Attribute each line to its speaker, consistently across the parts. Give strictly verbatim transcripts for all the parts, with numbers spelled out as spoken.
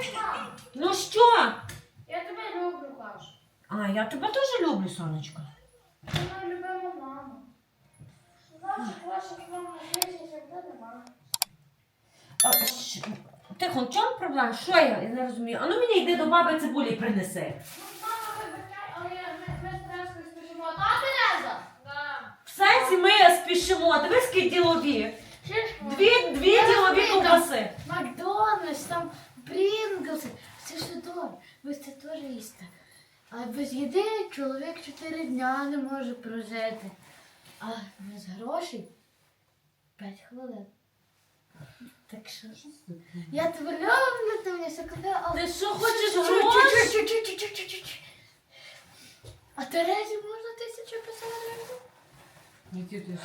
Speaker 1: Ну що?
Speaker 2: Я тебе люблю, кажу.
Speaker 1: А, я тебе теж люблю, сонечко.
Speaker 2: Ти моя любима мама. Наших ваших мам на світі завжди нема.
Speaker 1: А, щ- Тихо, в чому проблема? Що я? Я не розумію. А ну мені йди до баби цибулі принеси.
Speaker 2: Ну, мама, вибачай, але я- ми, ми з Терезкою спішимо. Та, Тереза? Да.
Speaker 1: В сенсі ми спішимо. Дивись, які ділові. Дві, дві
Speaker 2: Я
Speaker 1: ділові
Speaker 2: розумію,
Speaker 1: ковбаси.
Speaker 2: Макдональдс, там Прінглси. Це ж добре. Ви це теж їсте. А без їди чоловік чотири дня не може прожити. А без грошей п'ять хвилин. Так що? Я тебе люблю, ти мені все купила, але...
Speaker 1: Ти що, хочеш гроші?
Speaker 2: Чу-чу-чу-чу-чу-чу-чу-чу. А Терезі можна тисячу писати гривень?
Speaker 1: Які ти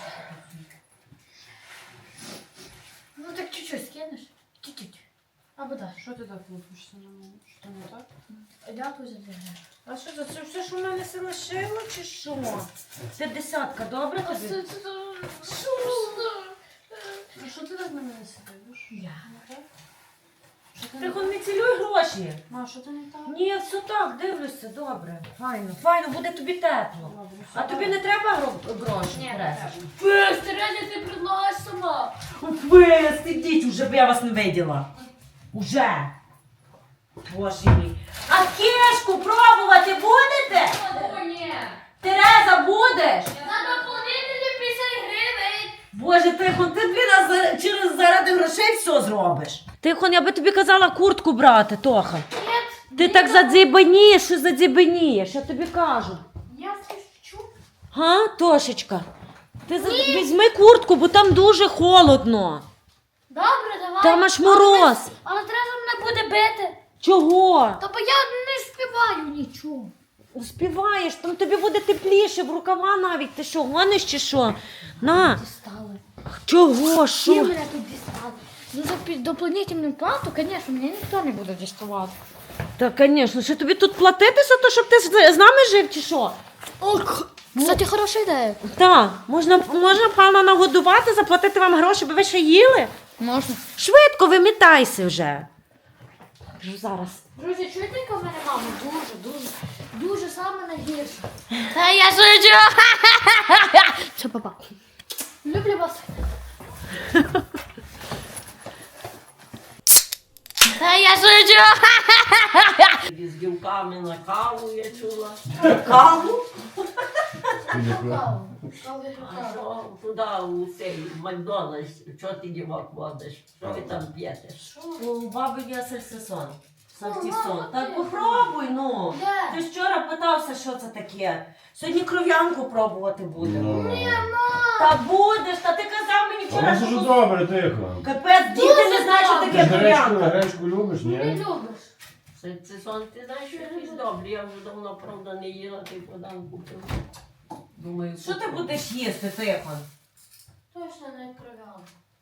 Speaker 2: Ну так чуть-чуть скинеш. Чуть-чуть. Або так.
Speaker 3: Що ти так лупишся на мене? Що не так?
Speaker 2: Дякую за тебе.
Speaker 1: А що це? Це все, що в мене се лишило, чи що? П'ятдесятка, добре
Speaker 2: А
Speaker 1: тобі?
Speaker 2: це це що?
Speaker 3: А що ти так на мене сидиш?
Speaker 1: Я.
Speaker 3: Що ти не
Speaker 1: Тихо,
Speaker 3: так?
Speaker 1: не цілюй гроші.
Speaker 3: Ма, що ти не так?
Speaker 1: Ні, все так, дивлюся, добре. Файно, файно, буде тобі тепло.
Speaker 3: Добре,
Speaker 1: А
Speaker 3: все
Speaker 1: тобі
Speaker 3: так.
Speaker 1: не треба гро- гроші?
Speaker 2: Ні, не
Speaker 1: Тереза?
Speaker 2: Без, Терезі, ти предлагаєш сама.
Speaker 1: Ви сидіть, уже б я вас не виділа. Уже. Боже мій. А кішку пробувати будете?
Speaker 2: О, ні.
Speaker 1: Тереза, будеш?
Speaker 2: На дополнительні п'ятдесят гривень.
Speaker 1: Боже, Тихон, ти дві нас за- через заради грошей все зробиш. Тихон, я би тобі казала куртку брати, Тоха.
Speaker 2: Ні.
Speaker 1: Ти так задзібанієш, що задзібанієш, я тобі кажу.
Speaker 2: Я вчу.
Speaker 1: Га, Тошечка? Ти за... візьми куртку, бо там дуже холодно.
Speaker 2: Добре, давай.
Speaker 1: Там аж мороз.
Speaker 2: Але Тереза мене буде бити.
Speaker 1: Чого?
Speaker 2: Та бо я не співаю нічого.
Speaker 1: Успіваєш, там тобі буде тепліше, в рукава навіть. Ти що, гониш чи що? На.
Speaker 2: Дістали.
Speaker 1: Чого?
Speaker 2: Всі
Speaker 1: Що?
Speaker 2: мене тут дістали. Ну за пі- дополнительну плату, звісно, мені ніхто не буде діставати.
Speaker 1: Та, звісно, що тобі тут платити за те, щоб ти з з нами жив чи що?
Speaker 2: Ох, кстати, хороша ідея.
Speaker 1: Так, можна, можна пана нагодувати, заплатити вам гроші, бо ви ще їли?
Speaker 2: Можна.
Speaker 1: Швидко вимітайся вже. Вже зараз.
Speaker 2: Друзі, чуєте, яка в мене мама? Дуже, дуже, дуже саме найгірша. Та я шучу. Все, папа. Люблю вас. Та я шучу.
Speaker 4: З дівками на каву я чула.
Speaker 1: Каву?
Speaker 4: А що туди у цей Макдональдс, що ти дівок водиш? Що ви там п'єте?
Speaker 1: У баби є сальсисон. Сальсисон. Так попробуй, ну.
Speaker 2: Де?
Speaker 1: Ти ж вчора питався, що це таке. Сьогодні кров'янку пробувати будемо. Та будеш, та ти казав мені вчора,
Speaker 5: Але це ж
Speaker 1: що...
Speaker 5: добре, тихо.
Speaker 1: Капець, діти не знають, що
Speaker 5: Ти
Speaker 1: таке
Speaker 5: ж гречку,
Speaker 1: кров'янка.
Speaker 5: гречку любиш,
Speaker 2: Не
Speaker 5: ні?
Speaker 2: любиш.
Speaker 4: Це, це сон, ти знаєш, що якийсь добрий. Я вже давно, правда, не їла, ти подам купив. Думаю,
Speaker 1: Що ти
Speaker 4: куплю.
Speaker 1: будеш їсти, Тихон?
Speaker 2: Точно не кров'яна.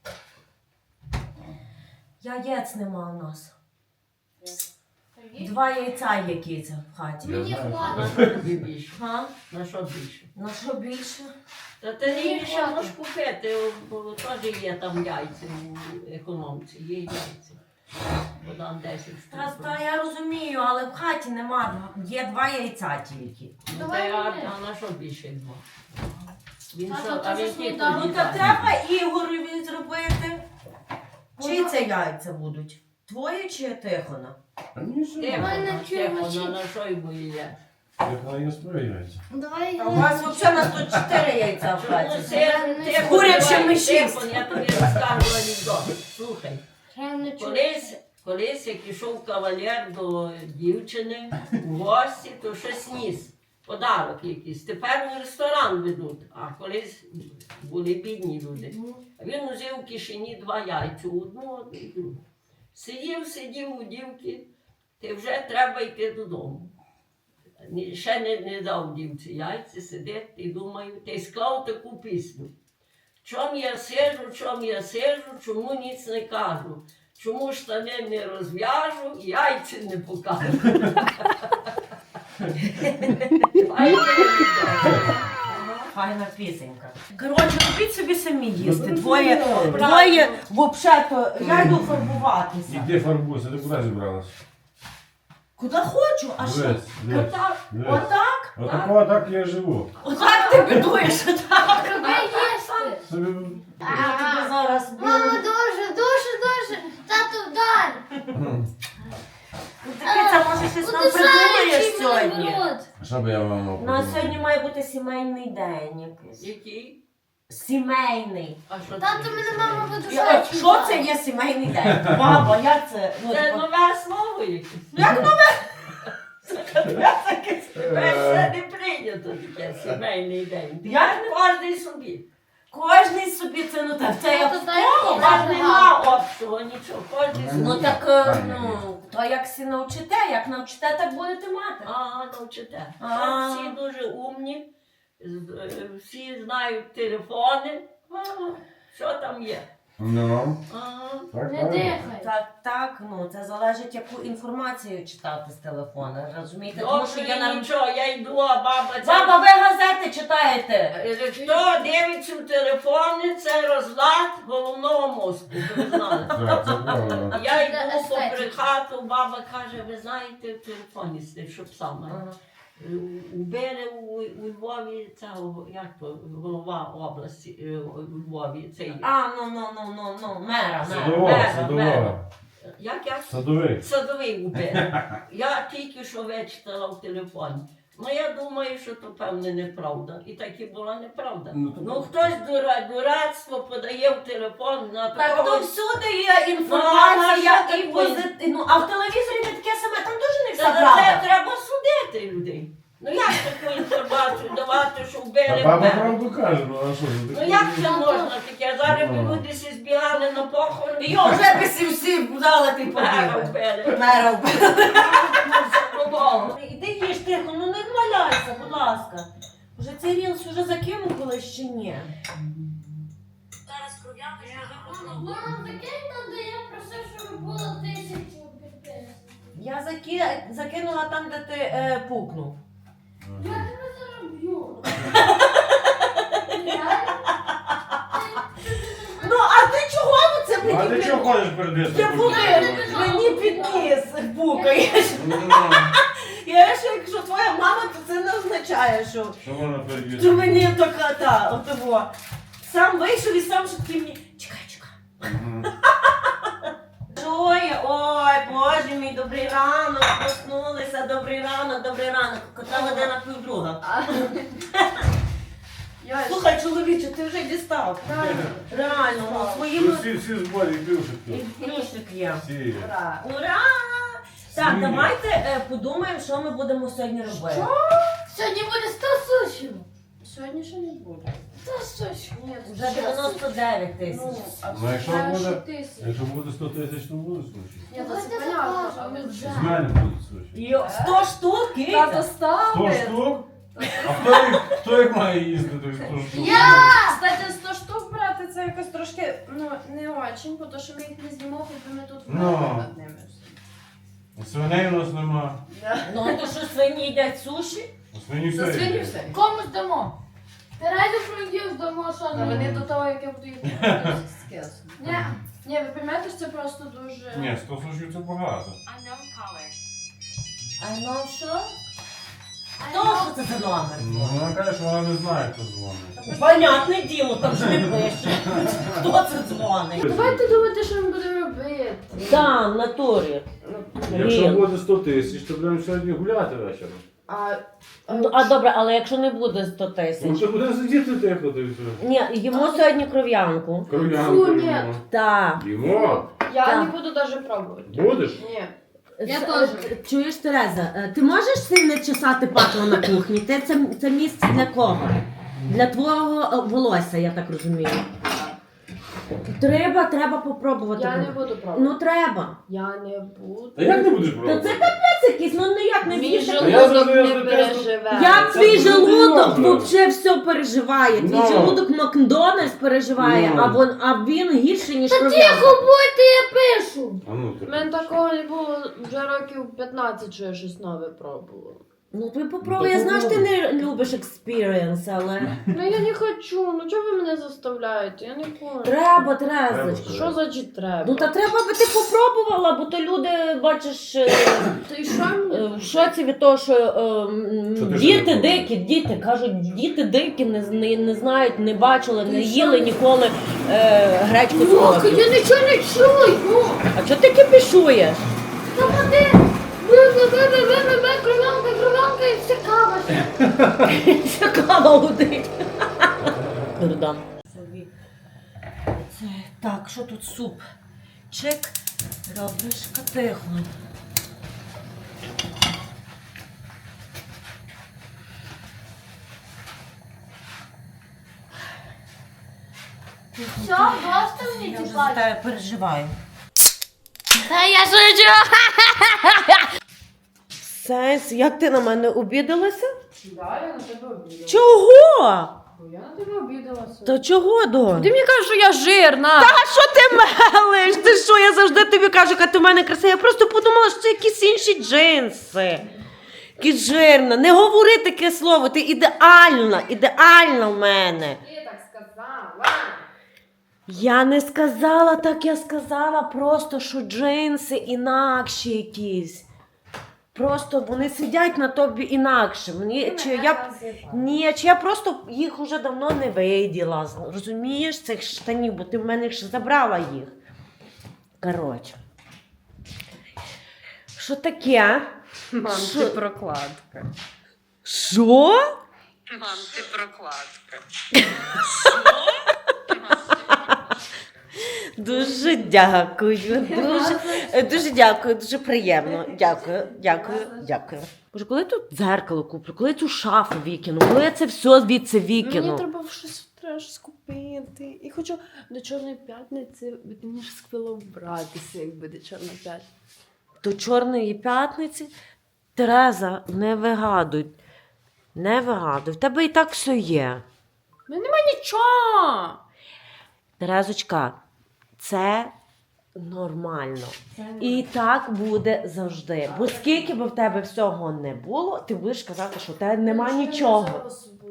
Speaker 1: Яєць нема у нас.
Speaker 2: Два.
Speaker 1: Два яйця є киця в хаті.
Speaker 2: Мені
Speaker 5: Я знаю.
Speaker 4: На
Speaker 2: хватить.
Speaker 4: що тобі більше?
Speaker 1: Га?
Speaker 4: На що більше?
Speaker 1: На що більше?
Speaker 4: Та ти
Speaker 2: Мені
Speaker 4: не ще
Speaker 2: хватить.
Speaker 4: можеш купити, бо теж є там яйця у економці, є яйця. Подам десять
Speaker 1: Та,
Speaker 4: штук.
Speaker 1: та я розумію, але в хаті нема. Є два яйця тільки.
Speaker 4: Ну,
Speaker 2: Давай
Speaker 4: та, а,
Speaker 2: мене.
Speaker 4: а на що більше два? Він
Speaker 2: Тато,
Speaker 4: що,
Speaker 2: це
Speaker 4: а
Speaker 2: ж
Speaker 4: він тільки
Speaker 2: сніданок.
Speaker 1: Ну так треба Ігорові зробити. Чиї це яйця будуть? Твої чи Тихона?
Speaker 5: А ні, що?
Speaker 4: Тихо,
Speaker 2: мене
Speaker 4: тихо,
Speaker 2: чого
Speaker 4: на, на що йому їде?
Speaker 5: Тихо, я споюється.
Speaker 2: Давай.
Speaker 1: А у вас взагалі на сто чотири яйця в
Speaker 4: Чому
Speaker 1: хаті.
Speaker 4: це? Тихо,
Speaker 1: Куряче
Speaker 4: давай,
Speaker 1: ми шість.
Speaker 4: тихо, я тобі розкажу анекдот. Слухай,
Speaker 2: Я не чую.
Speaker 4: колись, колись як ішов кавалер до дівчини у гості, то щось ніс. Подарок якийсь. Тепер в ресторан ведуть, а колись були бідні люди. А він узяв в кишені два яйця, одну, одну і другу. Сидів, сидів у дівки, ти вже треба йти додому. Ні- Ще не, не дав дівці яйця, сидить і думаю, та й склав таку пісню. Чом я сижу, чом я сижу, чому ніц не кажу? Чому штани не розв'яжу, яйця не покажу. Файно,
Speaker 1: файна пісенька. Коротше, купіть собі самі їсти.
Speaker 5: Ну,
Speaker 1: Двоє,
Speaker 5: ну,
Speaker 1: двоє, взагалі-то, я йду фарбуватися.
Speaker 5: Іди фарбуйся, ти куди зібралась?
Speaker 1: Куди хочу, а що?
Speaker 5: Дивись, дивись.
Speaker 1: Отак?
Speaker 5: Дивись.
Speaker 1: Отак?
Speaker 5: Отако, так я живу.
Speaker 1: Отак ти бідуєш, отак.
Speaker 2: Роби їсти.
Speaker 5: Собі...
Speaker 1: Я тебе зараз
Speaker 2: Мама,
Speaker 1: б'ю.
Speaker 2: дуже, дуже, дуже. Тату, вдар.
Speaker 1: Ну, таке це може щось нам придумаєш сьогодні.
Speaker 5: Що би я вам мав
Speaker 1: У нас
Speaker 5: подумати?
Speaker 1: сьогодні має бути сімейний день якийсь.
Speaker 4: Який?
Speaker 1: Сімейний.
Speaker 4: А що
Speaker 2: Тату,
Speaker 4: це?
Speaker 2: мене мама буде
Speaker 1: Я- от Що це є сімейний день? Баба, як це? Ну,
Speaker 4: Це
Speaker 1: типу,
Speaker 4: нове слово якесь.
Speaker 1: як нове?
Speaker 4: Це не прийнято таке сімейний день.
Speaker 1: Як
Speaker 4: Кожний собі.
Speaker 1: Кожний собі це, ну так, це як
Speaker 2: Тато,
Speaker 1: в
Speaker 2: дай
Speaker 1: кого?
Speaker 2: мені.
Speaker 4: Вас нема общого, нічого. Кожний собі.
Speaker 1: Ну так, е, ну, то як всі навчите, як навчите, так будете мати.
Speaker 4: Ага, навчите.
Speaker 1: А.
Speaker 4: Всі дуже умні, з- е, всі знають телефони. Ага, що там є?
Speaker 5: Ну,
Speaker 4: Ага.
Speaker 5: так,
Speaker 2: Не
Speaker 5: так.
Speaker 2: дихай.
Speaker 1: Так, так, ну це залежить, яку інформацію читати з телефона, розумієте? Тому що
Speaker 4: Добре,
Speaker 1: є на...
Speaker 4: нічого, я йду, а баба це...
Speaker 1: Баба, ви газети читаєте?
Speaker 4: Е, Хто дивиться в телефони, це розлад головного мозку. Ви знали.
Speaker 5: Так, це правда.
Speaker 4: Я
Speaker 2: Це
Speaker 4: йду
Speaker 2: естетика.
Speaker 4: попри хату, баба каже, ви знаєте, в телефоні сидить, щоб саме.
Speaker 1: Ага.
Speaker 4: Убили у, у Львові цього, як то, голова області е, у Львові, цей,
Speaker 1: А, ну, ну, ну, ну, ну, мера, мера.
Speaker 5: Садова,
Speaker 4: мера,
Speaker 5: садова.
Speaker 4: мера. як я
Speaker 5: Садовий.
Speaker 4: садовий убив. Я тільки що вичитала в телефоні. Ну я думаю, що то певне неправда. І так і була неправда.
Speaker 5: Ну, то-
Speaker 4: Ну хтось дура, дурацтво подає в телефон на
Speaker 1: Так,
Speaker 4: такого.
Speaker 1: то всюди є інформація
Speaker 4: Ну, а
Speaker 1: і
Speaker 4: що
Speaker 1: позитив. Ну, а в телевізорі не таке саме, там теж не
Speaker 4: Та
Speaker 1: вся
Speaker 4: за це
Speaker 1: правда.
Speaker 4: треба судити людей. Ну як таку інформацію давати, що вбили
Speaker 5: А баба
Speaker 4: мера?
Speaker 5: правду каже, ну а що? ж,
Speaker 4: Ну
Speaker 5: таке-
Speaker 4: як це можна таке? Зараз би
Speaker 5: Ну.
Speaker 4: люди всі збігали на похорон.
Speaker 1: Йо, вже би всі всі взяли ти
Speaker 4: Мера
Speaker 1: побігли.
Speaker 4: вбили.
Speaker 1: Мера вбили.
Speaker 4: Забувало.
Speaker 1: Іди їж тихо, ну не валяйся, будь ласка. Вже цей рілс вже закинув колись чи ні?
Speaker 2: Мама, закинь там, де я просив, щоб було тисячу підписів.
Speaker 1: Я заки... закинула там, де ти е, пукнув.
Speaker 2: Я тебе зароблю.
Speaker 1: Ну, а ти чого ну це
Speaker 5: Ну, а
Speaker 1: мені
Speaker 5: ти
Speaker 1: під...
Speaker 5: чого ходиш перед
Speaker 1: Ти
Speaker 5: диском?
Speaker 1: пукаєш, мені підніс пукаєш.
Speaker 5: Ну,
Speaker 1: Я ж якщо твоя мама, то це не означає, що
Speaker 5: Що вона перед
Speaker 1: ти
Speaker 5: диском?
Speaker 1: мені така та, отого. Сам вийшов і сам що ти мені. Чекай, чекай.
Speaker 5: Мгм.
Speaker 1: Ой, ой, боже мій, добрий ранок, проснулися, добрий ранок, добрий ранок. Котра година півдруга. Слухай, чоловіче, ти вже дістав. Реально, ну,
Speaker 5: Тут
Speaker 1: своїми...
Speaker 5: всі, всі зборі,
Speaker 1: І
Speaker 5: плюшики.
Speaker 1: плюшик є.
Speaker 5: Всі.
Speaker 1: Ура! Ура! Так,
Speaker 5: Всі.
Speaker 1: давайте е, подумаємо, що ми будемо сьогодні робити.
Speaker 2: Сьогодні буде сто сушів.
Speaker 3: Сьогодні ще не буде.
Speaker 2: сто сушів.
Speaker 3: Ні,
Speaker 1: Вже дев'яносто дев'ять тисяч.
Speaker 3: Ну, а
Speaker 5: Ну, якщо
Speaker 3: першу
Speaker 5: буде-
Speaker 3: тисячу.
Speaker 5: Якщо буде сто тисяч, то буде суші.
Speaker 3: Ні, то це
Speaker 2: Давайте
Speaker 3: понятно,
Speaker 2: закажемо
Speaker 3: але
Speaker 2: вже.
Speaker 5: З мене будуть суші.
Speaker 1: Йо, сто штук,
Speaker 3: Тато
Speaker 1: Киця?
Speaker 5: Сто
Speaker 3: ставить.
Speaker 5: штук? А хто їх, хто їх має їсти, то сто штук?
Speaker 3: Кстати, сто штук брати це якось трошки, ну, не очень, тому що ми їх не з'їмо, хоч ми тут
Speaker 5: Ну.
Speaker 3: вмерли над ними.
Speaker 5: Свиней у нас нема.
Speaker 1: Ну, то що свині їдять суші?
Speaker 5: А свині
Speaker 3: За
Speaker 5: все
Speaker 3: свині
Speaker 5: їдять.
Speaker 3: все.
Speaker 2: Комусь дамо. Терезі фрундів дамо, що
Speaker 3: А
Speaker 2: не
Speaker 3: вони до того, як я буду їх скесно. Ні, ні, ви розумієте, що це просто дуже...
Speaker 5: Ні, сто сушів це багато.
Speaker 1: А ну що? Хто що це за номер?
Speaker 5: Ну, вона каже, що вона не знає, хто дзвонить.
Speaker 1: Понятне діло, там ж не пише. Хто це дзвонить?
Speaker 3: Давайте думати, що ми будемо робити.
Speaker 1: Да, в натурі.
Speaker 5: Якщо
Speaker 1: Ріл.
Speaker 5: буде сто тисяч, то будемо сьогодні гуляти вечором.
Speaker 3: А,
Speaker 1: Ну, а добре, але якщо не буде сто
Speaker 5: Ну,
Speaker 1: тисяч?
Speaker 5: то будемо сидіти тихо, то і все.
Speaker 1: Ні, їмо сьогодні кров'янку.
Speaker 5: Кров'янку
Speaker 3: Фу, ні.
Speaker 5: їмо.
Speaker 1: Так.
Speaker 5: Їмо?
Speaker 3: я
Speaker 1: Так.
Speaker 3: не буду навіть пробувати.
Speaker 5: Будеш?
Speaker 3: Ні.
Speaker 2: Я
Speaker 1: С-
Speaker 2: теж.
Speaker 1: е, Чуєш, Тереза, е, ти можеш сильно чесати патло на кухні? Ти це, це місце для кого? Для твого е, волосся, я так розумію. Треба, треба попробувати.
Speaker 3: Я не буду пробувати.
Speaker 1: Ну треба.
Speaker 3: Я не буду.
Speaker 5: Та як не будеш
Speaker 1: Та
Speaker 5: пробувати?
Speaker 1: це капець якийсь, ну ніяк не
Speaker 3: Мій
Speaker 1: з'їсти.
Speaker 5: Та я
Speaker 3: желудок
Speaker 5: завжди
Speaker 3: не
Speaker 5: за те,
Speaker 3: переживе.
Speaker 1: Як
Speaker 5: Це
Speaker 1: твій
Speaker 5: дуже
Speaker 1: желудок
Speaker 5: серйозно.
Speaker 1: взагалі все переживає? Твій
Speaker 5: Ну.
Speaker 1: желудок Макдональдс переживає,
Speaker 5: Ну.
Speaker 1: а, вон, а він гірше, ніж
Speaker 2: Та
Speaker 1: кров'янка.
Speaker 2: тихо будьте, я пишу.
Speaker 5: А ну,
Speaker 3: У мене такого не було вже років п'ятнадцять, що я щось нове пробувала.
Speaker 1: Ну ти попробуй, я знаю, що ти не любиш експірієнс, але...
Speaker 3: Ну я не хочу, ну чого ви мене заставляєте? Я не хочу.
Speaker 1: Треба, треба.
Speaker 3: Що значить треба?
Speaker 1: Ну та треба би ти попробувала, бо то люди, бачиш, е,
Speaker 3: Ти що мені?
Speaker 1: е, в шоці від того, що е, м,
Speaker 5: Що ти
Speaker 1: діти
Speaker 5: ж не
Speaker 1: дикі, діти, кажуть, діти дикі, не, з- не, не знають, не бачили, не
Speaker 2: Ти
Speaker 1: їли
Speaker 2: що?
Speaker 1: ніколи е, гречку з
Speaker 2: Лока,
Speaker 1: кров'ю.
Speaker 2: я нічого не чую!
Speaker 1: А чого ти кипішуєш?
Speaker 2: Та води! Ви, ви, ви, ви, ви, ви, ви, кров'янка, кров'янка і все кава.
Speaker 1: Це кава гудить. Дурдам. Це, так, що тут суп? Чек, ребрышка, тихо.
Speaker 2: Все, просто мені
Speaker 1: Я вже за
Speaker 2: тіпати.
Speaker 1: тебе переживаю.
Speaker 2: Та я шучу!
Speaker 1: Сенс, як ти на мене обідалася?
Speaker 3: Да, я на тебе обідалася.
Speaker 1: Чого?
Speaker 3: Я на тебе обідалася.
Speaker 1: Та чого, Донь?
Speaker 3: Ти мені кажеш, що я жирна.
Speaker 1: А що ти мелиш? Ти що, я завжди тобі кажу, яка ти в мене красива. Я просто подумала, що це якісь інші джинси. Якісь жирна. Не говори таке слово, ти ідеальна, ідеальна в мене.
Speaker 3: Ти так сказала.
Speaker 1: Я не сказала так, я сказала просто, що джинси інакші якісь. Просто вони сидять на тобі інакше. Мені, чи я, ні, чи я просто їх уже давно не виділа. Розумієш, цих штанів, бо ти в мене ж забрала їх. Коротше. Що таке?
Speaker 3: Мам,
Speaker 1: Що?
Speaker 3: ти прокладка.
Speaker 1: Що?
Speaker 3: Мам, ти прокладка.
Speaker 1: Дуже дякую. Дуже, дуже дякую, дуже приємно. Дякую, дякую, дякую. Боже, коли я тут дзеркало куплю, коли я цю шафу викину, коли я це все звідси
Speaker 3: Мені
Speaker 1: викину.
Speaker 3: треба щось треба щось купити. І хочу до Чорної п'ятниці, мені ж сквило вбратися, якби до Чорної п'ятниці.
Speaker 1: До Чорної п'ятниці Тереза, не вигадуй. Не вигадуй. В тебе і так все є.
Speaker 3: У мене нема нічого.
Speaker 1: Терезочка, це нормально. І так буде завжди. Бо скільки б в тебе всього не було, ти будеш казати, що в тебе нема нічого.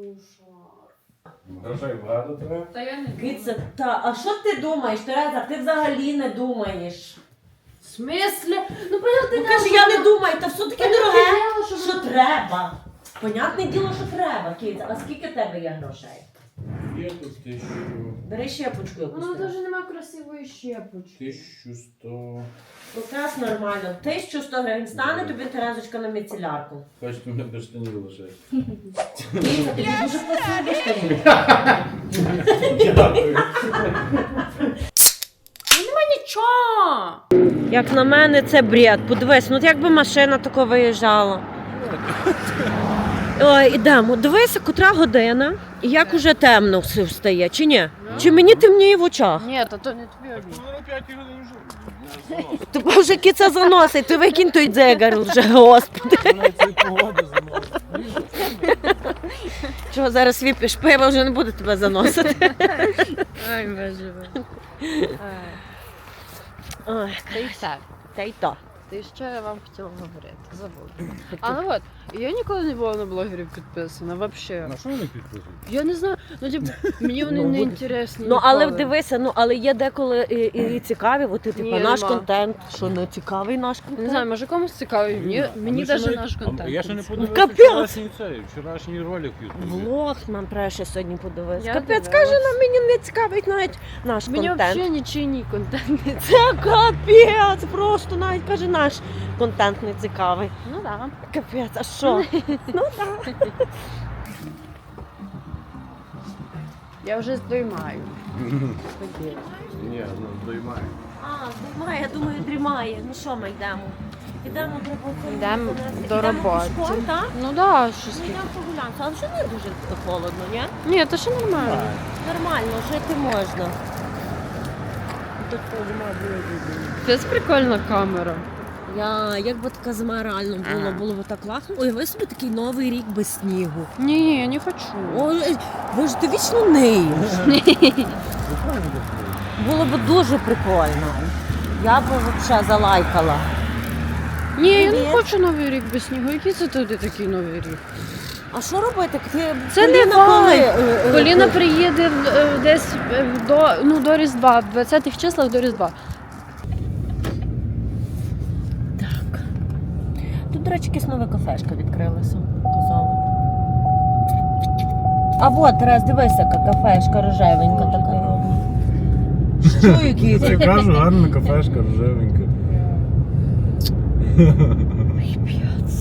Speaker 5: Грошей багато треба.
Speaker 3: Та я не
Speaker 1: Киця, та, а що ти думаєш, Тереза? Ти взагалі не думаєш.
Speaker 3: В смислі? Ну, понятне
Speaker 1: Ну,
Speaker 3: діло,
Speaker 1: каже,
Speaker 3: що
Speaker 1: я не
Speaker 3: вона-
Speaker 1: думаю, та все таке
Speaker 3: Понятне
Speaker 1: дороге.
Speaker 3: діло, що
Speaker 1: Що
Speaker 3: вона-
Speaker 1: треба? Понятне діло, що треба, Киця. А скільки в тебе є грошей?
Speaker 5: Є тут тисячу,
Speaker 1: Бери щепочку якусь.
Speaker 3: Вона навіть немає красивої щепочки.
Speaker 5: тисячу сто.
Speaker 1: Якраз нормально. тисяча сто гривень стане тобі, Терезочка, на міцелярку.
Speaker 5: Хочете мене без штанів лишати.
Speaker 1: Киця, тобі дуже спасибо, що ти.
Speaker 5: Дякую.
Speaker 3: Нема нічого.
Speaker 1: Як на мене, це бред. Подивись, ну якби машина тако виїжджала. Ой, ідемо. Дивися, котра година, і як уже темно все встає, чи ні? Чи мені темніє в очах?
Speaker 3: Ні, то, то не тобі обід.
Speaker 5: Ну, на п'ятій годині вже.
Speaker 1: Тобі вже киця заносить, ти викинь той дзигар вже, господи.
Speaker 5: Вона цієї погоди заносить.
Speaker 1: Чого зараз вип'єш пиво, вже не буде тебе заносити.
Speaker 3: Ай, боже.
Speaker 1: Ой,
Speaker 3: Та й все.
Speaker 1: та й то.
Speaker 3: Ти що я вам хотіла говорити? Забула. А ну от, я ніколи не була на блогерів підписана, взагалі.
Speaker 5: На що вони підписують?
Speaker 3: Я не знаю, ну типу, мені вони
Speaker 5: Ну,
Speaker 3: не
Speaker 5: буде.
Speaker 3: інтересні.
Speaker 1: Ну, але
Speaker 3: ніколи.
Speaker 1: дивися, ну, але є деколи і, і цікаві, от, типу,
Speaker 3: Ні,
Speaker 1: наш
Speaker 3: нема.
Speaker 1: контент, що не цікавий наш контент.
Speaker 3: Не знаю, може комусь цікавий, мені, мені
Speaker 5: Ну, ще
Speaker 3: навіть
Speaker 5: навіть-
Speaker 3: наш
Speaker 5: а
Speaker 3: контент.
Speaker 5: Я ще не
Speaker 3: не
Speaker 5: подивився
Speaker 1: Капець!
Speaker 5: вчорашній цей, вчорашній ролик в Ютубі.
Speaker 1: Влог нам треба ще сьогодні подивитися.
Speaker 3: Я
Speaker 1: Капець,
Speaker 3: дивилась.
Speaker 1: каже, нам мені не цікавить навіть наш
Speaker 3: Мені
Speaker 1: контент.
Speaker 3: взагалі нічийний контент не цікавий.
Speaker 1: Це капець, просто навіть каже, наш контент не цікавий.
Speaker 3: Ну так.
Speaker 1: Капець, а що? Ну так.
Speaker 3: Я вже здоймаю.
Speaker 5: Ні, ну доймає.
Speaker 1: А, дрімає, я думаю, дрімає. Ну що ми йдемо? Йдемо треба
Speaker 3: Йдемо до
Speaker 1: Йдемо
Speaker 3: роботи.
Speaker 1: пішком, так?
Speaker 3: Ну так, щось.
Speaker 1: Ну йдемо прогулянку, але вже не дуже холодно, ні?
Speaker 3: Ні, то ще нормально.
Speaker 1: Нормально, жити можна.
Speaker 5: Так
Speaker 3: Це прикольна камера.
Speaker 1: Я, як би така зима реально було, було б так класно. Уяви собі такий новий рік без снігу.
Speaker 3: Ні, я не хочу.
Speaker 1: Ой, боже, ти вічно ниєш. Було б дуже прикольно. Я б взагалі залайкала.
Speaker 3: Ні, я не
Speaker 1: Привіт.
Speaker 3: хочу новий рік без снігу. Який це туди такий новий рік?
Speaker 1: А що робити? Ти-
Speaker 3: Це не
Speaker 1: Поліна коли,
Speaker 3: вайб.
Speaker 1: е, е,
Speaker 3: Поліна
Speaker 1: коли?
Speaker 3: приїде е, десь е, до, ну, до Різдва, в двадцятих числах до Різдва.
Speaker 1: Так. Тут, до речі, якась нова кафешка відкрилася. Казала. А от, Тарас, дивися, яка кафешка рожевенька така. Що який?
Speaker 5: Я кажу, гарна кафешка, рожевенька.
Speaker 1: Ой, п'яц.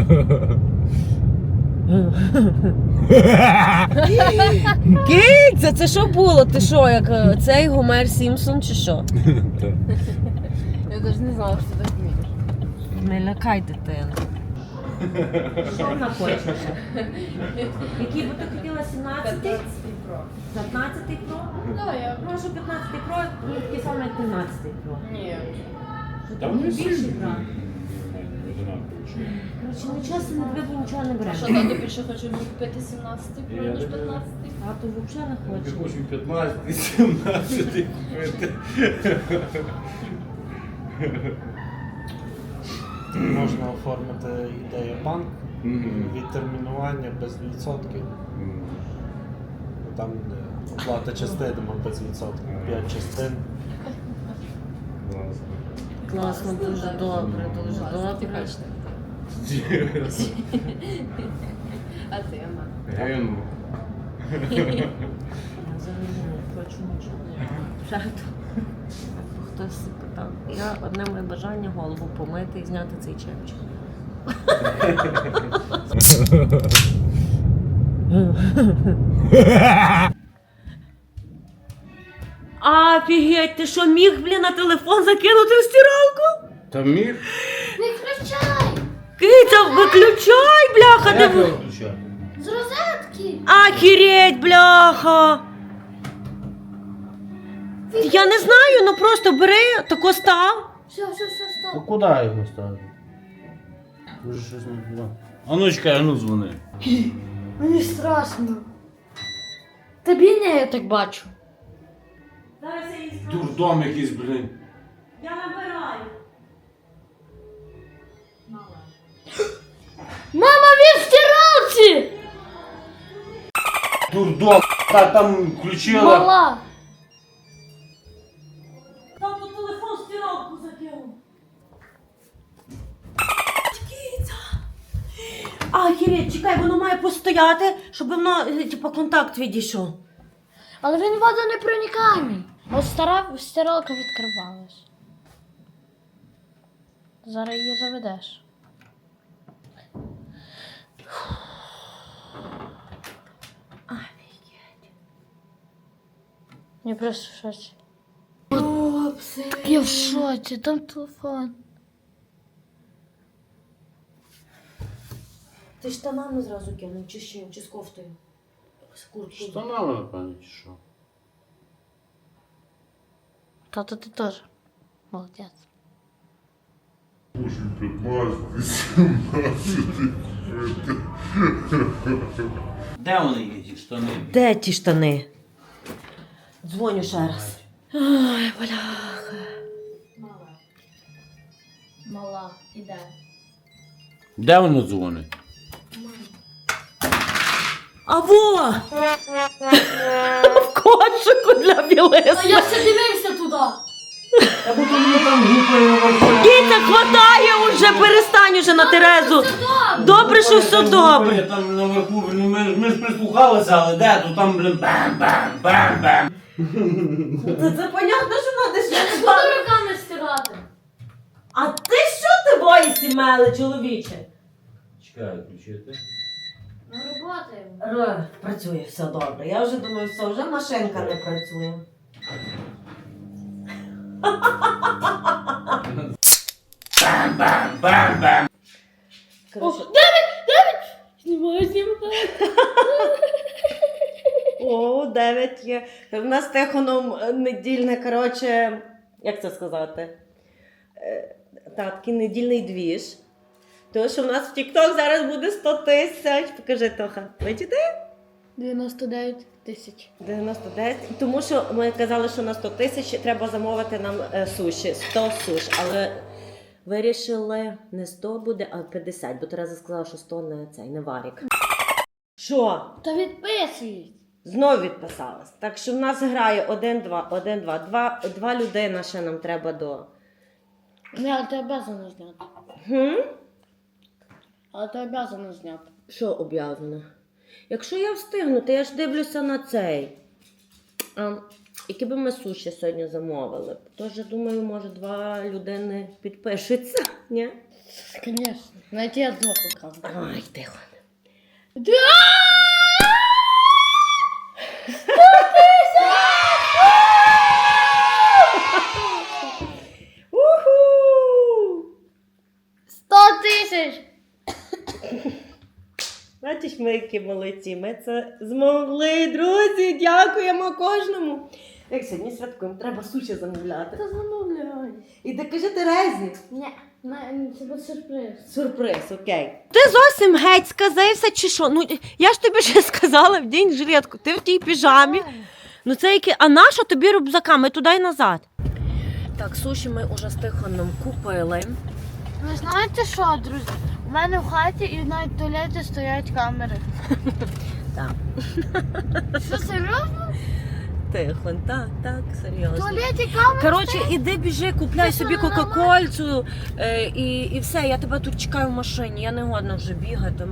Speaker 1: Киця, це що було? Ти що, як е, цей Гомер Сімпсон чи що?
Speaker 5: Так.
Speaker 3: Я навіть не знала, що ти так вмієш.
Speaker 1: Не лякай дитину. Що вона хоче? Який би ти хотіла, сімнадцятий? п'ятнадцятий Pro?
Speaker 3: Да, я...
Speaker 1: Прошу п'ятнадцятий Pro, ну, такий самий, як тринадцятий Pro.
Speaker 3: Ні.
Speaker 1: Що
Speaker 5: Та
Speaker 1: там
Speaker 5: вони
Speaker 1: більше
Speaker 5: всі
Speaker 1: брати?
Speaker 5: одинакові, що.
Speaker 1: Коротше, ну чесно, не треба нічого не беремо.
Speaker 3: Що тато більше хоче купити сімнадцятий
Speaker 5: Я
Speaker 3: про, ніж
Speaker 5: не
Speaker 3: п'ятнадцятий?
Speaker 1: А то взагалі не
Speaker 5: Я
Speaker 1: хочу.
Speaker 5: хочу п'ятнадцятий, сімнадцятий купити.
Speaker 6: Можна оформити ідею банк,
Speaker 5: Мгм.
Speaker 6: відтермінування без відсотків.
Speaker 5: Мгм.
Speaker 6: Там е, оплата частинами без відсотків, п'ять частин.
Speaker 5: Класно.
Speaker 1: Класно, дуже добре, дуже добре.
Speaker 3: А ти, Ама?
Speaker 5: Ген.
Speaker 1: Я взагалі не хочу нічого. Правда. Хтось питав. Я одне моє бажання голову помити і зняти цей чепчик. Офігеть, ти що, міг, блін, на телефон закинути в стиралку?
Speaker 5: Та міг?
Speaker 2: Не включай!
Speaker 1: Киця, виключай, бляха,
Speaker 5: Як
Speaker 1: диви.
Speaker 5: його включати?
Speaker 2: З розетки!
Speaker 1: Ахереть, бляха. Я не знаю, ну просто бери, тако став.
Speaker 2: Все, все, все,
Speaker 5: А
Speaker 2: стоп.
Speaker 5: куди його ставити? Дуже щось не туди. А ну чекай, а ну дзвони.
Speaker 2: Мені страшно. Тобі не, я так бачу.
Speaker 1: Зараз я їй скажу.
Speaker 5: Дурдом якийсь, блін.
Speaker 1: Я набираю.
Speaker 2: Мама, він в стиралці!
Speaker 5: Дурдом. Та там включила.
Speaker 2: Мала!
Speaker 1: Там тут телефон в стиралку закинув. Киця. Ахереть, чекай, воно має постояти, щоб воно, е, типу, контакт відійшов.
Speaker 2: Але він водонепроникаємий. От стара стиралка відкривалась. Зараз її заведеш.
Speaker 1: Офігеть.
Speaker 2: Я просто в шоці. Так я в шоці, там телефон.
Speaker 1: Ти штанами зразу кинув, чи ще, чи з кофтою? З курткою.
Speaker 5: Штанами, напевно, чи що?
Speaker 2: Тато, ти теж. Молодець.
Speaker 7: Де вони є ті штани?
Speaker 1: Де ті штани? Дзвоню ще раз. Ой, бляха.
Speaker 2: Мала, іде.
Speaker 7: Де воно дзвонить?
Speaker 1: А во! В кошику для білизни.
Speaker 2: Я все дивився туди.
Speaker 5: Та бо то мені там гупає вообще.
Speaker 1: Киця, хватає уже, перестань уже на Терезу. Добре, що все добре.
Speaker 7: Там наверху, ну, ми, ж- ми ж прислухалися, але де? То там, блин, бам-бам-бам-бам.
Speaker 1: Це, це понятно, що треба
Speaker 2: Я не
Speaker 1: ще.
Speaker 2: буду руками стирати.
Speaker 1: А ти що ти боїшся, меле, чоловіче?
Speaker 7: Чекай, включити.
Speaker 2: Ну, роботаємо.
Speaker 1: Р, Працює, все добре. Я вже думаю, все, вже машинка не працює.
Speaker 7: Бам-бам-бам-бам.
Speaker 1: Коротше,
Speaker 2: Знімаю, знімаю.
Speaker 1: о, дев'ять є. В нас з Тихоном е, недільне, коротше, як це сказати? Е, Та, такий недільний двіж. Тому що в нас в TikTok зараз буде сто тисяч. Покажи, Тоха. Бачите?
Speaker 2: дев'яносто дев'ять тисяч.
Speaker 1: дев'яносто дев'ять. Тому що ми казали, що на сто тисяч треба замовити нам е, суші. сто суш. Але вирішили не сто буде, а п'ятдесят, бо Тереза сказала, що сто не цей, не варік. Що?
Speaker 2: Та відписують.
Speaker 1: Знов відписалась. Так що в нас грає один-два, один-два. Два, два людина ще нам треба до.
Speaker 2: Не, але ти обязана зняти.
Speaker 1: Хм?
Speaker 2: Але ти обязана зняти.
Speaker 1: Що об'язано? Якщо я встигну, то я ж дивлюся на цей. А, які би ми суші сьогодні замовили. Тож, я думаю, може, два людини підпишуться, ні?
Speaker 2: Звісно. Навіть я двох украв.
Speaker 1: Ай, тихо. Уху!
Speaker 2: Сто тисяч!
Speaker 1: Бачиш, ми які молодці, ми це змогли, друзі, дякуємо кожному. Як сьогодні святкуємо, треба суші замовляти.
Speaker 2: Та замовляй.
Speaker 1: І ти кажи Терезі.
Speaker 2: Ні, не, це буде сюрприз.
Speaker 1: Сюрприз, окей. Ти зовсім геть сказився чи що? Ну, я ж тобі ще сказала в день жилетку, ти в тій піжамі. Ну це яке, а наша тобі рюкзаками туди й назад. Так, суші ми уже з Тихоном купили.
Speaker 2: Ви знаєте що, друзі? У мене в хаті і навіть в туалеті стоять камери.
Speaker 1: Так.
Speaker 2: Що, серйозно?
Speaker 1: Тихон, так, так,
Speaker 2: В
Speaker 1: серйозно.
Speaker 2: туалеті камери?
Speaker 1: Коротше, іди біжи, купляй
Speaker 2: Ти
Speaker 1: собі
Speaker 2: що, нормально?
Speaker 1: кока-кольцю е, і, і все, я тебе тут чекаю в машині, я не годна вже бігати.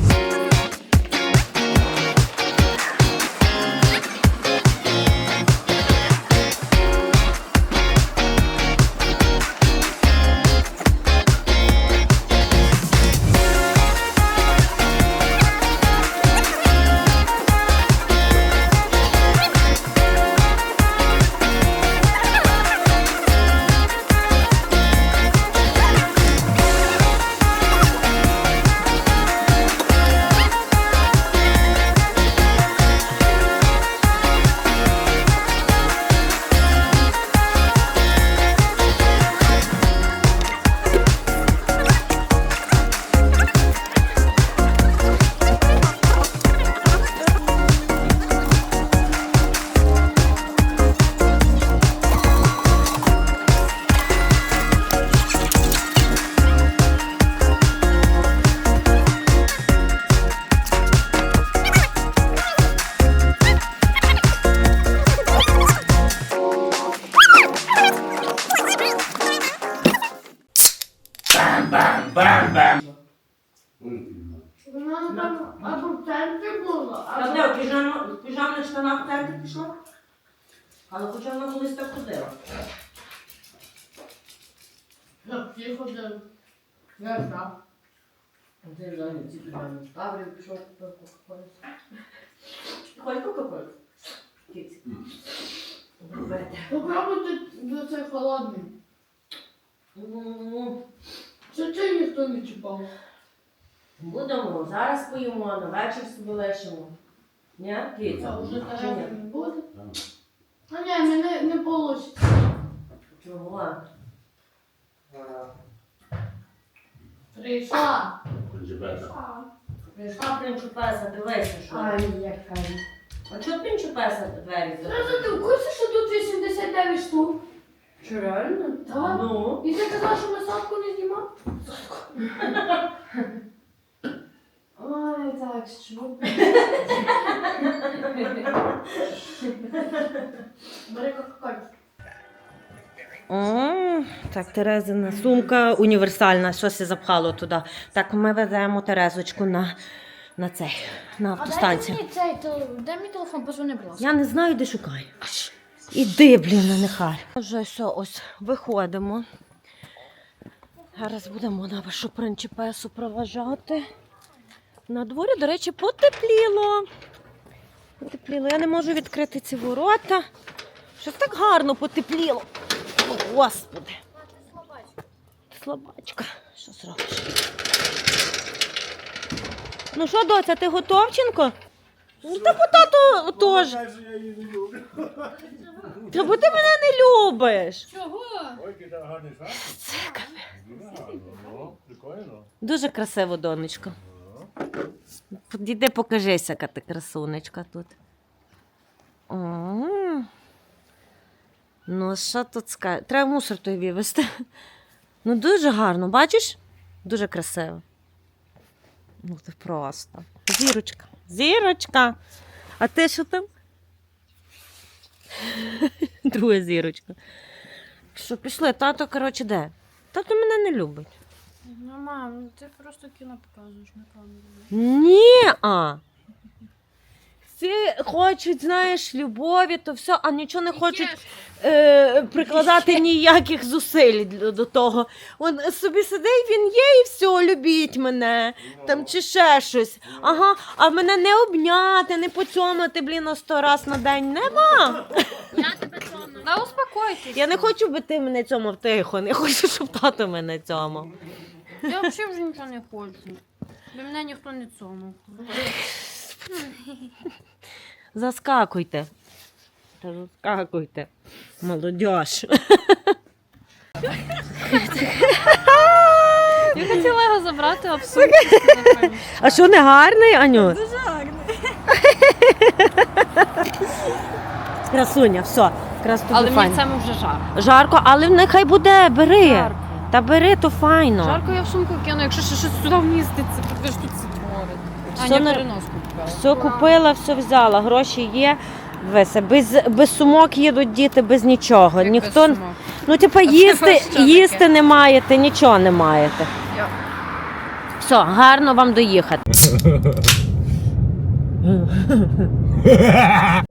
Speaker 7: Бам-бам!
Speaker 2: Вона там або в центрі була,
Speaker 1: А
Speaker 2: або...
Speaker 1: де, в піжам- в піжамних штанах в центр пішла? Але хоча вона колись так ходила.
Speaker 2: Як ті ходили. Я знав.
Speaker 1: Де взагалі ці піжами? Ставлю, пішов купив кока-колю. Хоч кока-колю? Кіці. Робити.
Speaker 2: Попробуйте до цей холодний.
Speaker 1: Ну,
Speaker 2: Це чи ніхто не чіпав?
Speaker 1: будемо, зараз поїмо, на вечір собі лишимо. Ні, Кіця?
Speaker 2: А вже
Speaker 1: Чи
Speaker 2: Терези
Speaker 1: ні?
Speaker 2: не буде? А ні, мене не вийде.
Speaker 1: Чого?
Speaker 2: Прийшла.
Speaker 1: Прийшла принчупеса, дивися, що.
Speaker 2: яка.
Speaker 1: А чого принчупеса двері закрили?
Speaker 2: Тереза, ти в курсі, що тут вісімдесят дев'ять штук?
Speaker 1: Чи реально?
Speaker 2: Так.
Speaker 1: Ну.
Speaker 2: І ти казала, що ми садку не знімав? Ой, так, що? Бери кока-коль.
Speaker 1: О, так, Терезина сумка універсальна, щось я запхало туди. Так, ми веземо Терезочку на, на цей, на
Speaker 2: А дайте
Speaker 1: автостанцію.
Speaker 2: мені цей, то дай мій телефон, позвони, будь ласка.
Speaker 1: Я не знаю, де шукаю. Іди, блін, нехай. Вже все, ось виходимо. Зараз будемо на вашу принчіпесу проважати. На дворі, до речі, потепліло. Потепліло. Я не можу відкрити ці ворота. Щось так гарно потепліло. О, Господи. Слабачка. Що зробиш? Ну що, доця, ти готовченко? Ну, та по тату теж. Та бо ти мене не любиш.
Speaker 2: Чого?
Speaker 1: Це капець. Дуже красиво, донечко. Підійди, покажися, яка ти красунечка тут. О, ну, що тут скажеш? Треба мусор той вивезти. Ну дуже гарно, бачиш? Дуже красиво. Ну це просто. Зірочка. Зірочка. А ти що там? Друга зірочка. Що, пішли? Тато, коротше, де? Тато мене не любить.
Speaker 3: Ну, мам, ну ти просто кіно показуєш на камеру.
Speaker 1: Ні, а. Всі хочуть, знаєш, любові, то все, а нічого не хочуть е, прикладати ніяких зусиль до до того. Он собі сидить, він є і все, любіть мене. Там чи ще щось. Ага, а мене не обняти, не поцьомати, блін, о сто раз на день. Нема.
Speaker 3: Да успокойтесь.
Speaker 1: Я не хочу, би ти мене цьомав тихо, не хочу, щоб тато мене цьомав.
Speaker 3: Я взагалі вже нічого не хочу. Бо мене ніхто не цьомав.
Speaker 1: Заскакуйте. Та заскакуйте. Молодьож.
Speaker 3: Я хотіла його забрати, а сумку.
Speaker 1: А що, не гарний, Аню?
Speaker 3: Дуже гарний.
Speaker 1: Красуня, все. Якраз тобі
Speaker 3: Але мені
Speaker 1: файно.
Speaker 3: це вже жарко.
Speaker 1: Жарко, але нехай буде, бери.
Speaker 3: Жарко.
Speaker 1: Та бери, то файно.
Speaker 3: Жарко я в сумку кину, якщо ще щось сюди вміститься, ви ж тут це творить.
Speaker 1: Все
Speaker 3: Аня
Speaker 1: на-
Speaker 3: переноску купила.
Speaker 1: Все купила, все взяла, гроші є. Веся, без, без сумок їдуть діти, без нічого.
Speaker 3: Як
Speaker 1: Ніхто,
Speaker 3: без сумок?
Speaker 1: ну типа
Speaker 3: це
Speaker 1: їсти,
Speaker 3: що таке?
Speaker 1: їсти не маєте, нічого не маєте.
Speaker 3: Я-
Speaker 1: Все, гарно вам доїхати.